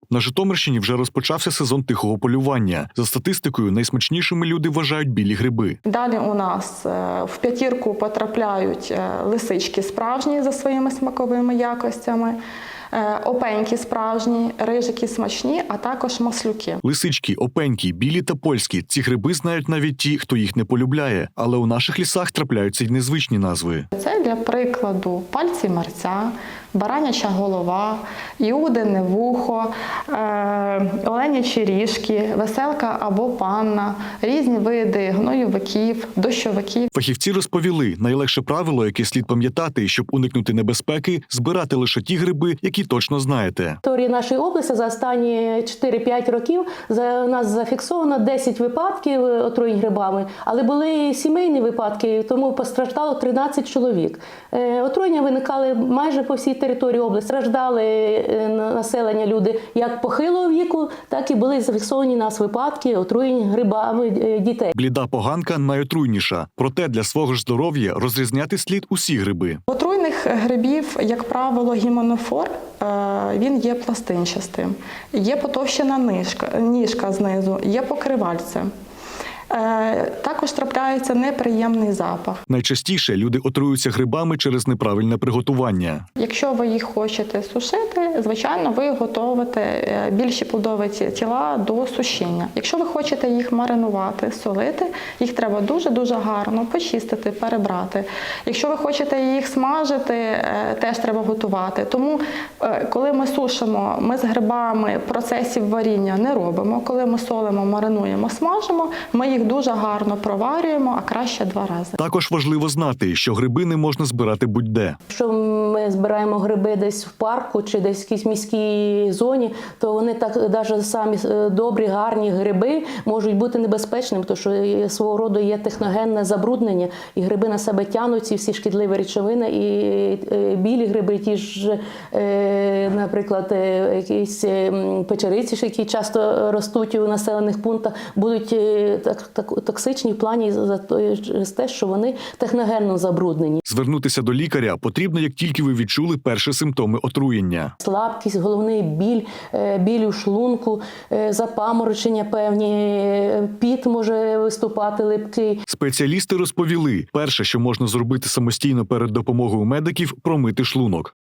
На Житомирщині вже розпочався сезон тихого полювання. За статистикою, найсмачнішими люди вважають білі гриби. Далі у нас в п'ятірку потрапляють лисички справжні за своїми смаковими якостями, опеньки справжні, рижики смачні, а також маслюки. Лисички, опеньки, білі та польські – ці гриби знають навіть ті, хто їх не полюбляє. Але у наших лісах трапляються й незвичні назви. Це, для прикладу, пальці мерця, бараняча голова, іудине вухо, оленячі ріжки, веселка або панна, різні види гноювиків, дощовиків. Фахівці розповіли, найлегше правило, яке слід пам'ятати, щоб уникнути небезпеки – збирати лише ті гриби, які точно знаєте. В території нашої області за останні 4-5 років у нас зафіксовано 10 випадків отруєнь грибами, але були сімейні випадки, тому постраждало 13 чоловік. Отруєння виникали майже по всій території області. Страждали населення люди як похилого віку, так і були зафіксовані у нас випадки отруєнь грибами дітей. Бліда поганка найотруйніша. Проте для свого ж здоров'я розрізняти слід усі гриби. Отруйних грибів, як правило, гіменофор, він є пластинчастим. Є потовщена ніжка знизу, є покривальце. Також трапляється неприємний запах. Найчастіше люди отруються грибами через неправильне приготування. Якщо ви їх хочете сушити, звичайно, ви готуєте більші плодові тіла до сушіння. Якщо ви хочете їх маринувати, солити, їх треба дуже-дуже гарно почистити, перебрати. Якщо ви хочете їх смажити, теж треба готувати. Тому, коли ми сушимо, ми з грибами процесів варіння не робимо. Коли ми солимо, маринуємо, смажимо, ми їх дуже гарно проварюємо, а краще 2 рази. Також важливо знати, що гриби не можна збирати будь-де. Якщо ми збираємо гриби десь в парку чи десь в якійсь міській зоні, то вони так, навіть самі добрі, гарні гриби можуть бути небезпечними, тому що свого роду є техногенне забруднення, і гриби на себе тягнуть ці всі шкідливі речовини, і білі гриби, ті ж, наприклад, якісь печериці, які часто ростуть у населених пунктах, будуть токсичні в плані за те, що вони техногенно забруднені. Звернутися до лікаря потрібно, як тільки ви відчули перші симптоми отруєння. Слабкість, головний біль, біль у шлунку, запаморочення певні, піт може виступати липкий. Спеціалісти розповіли, перше, що можна зробити самостійно перед допомогою медиків – промити шлунок.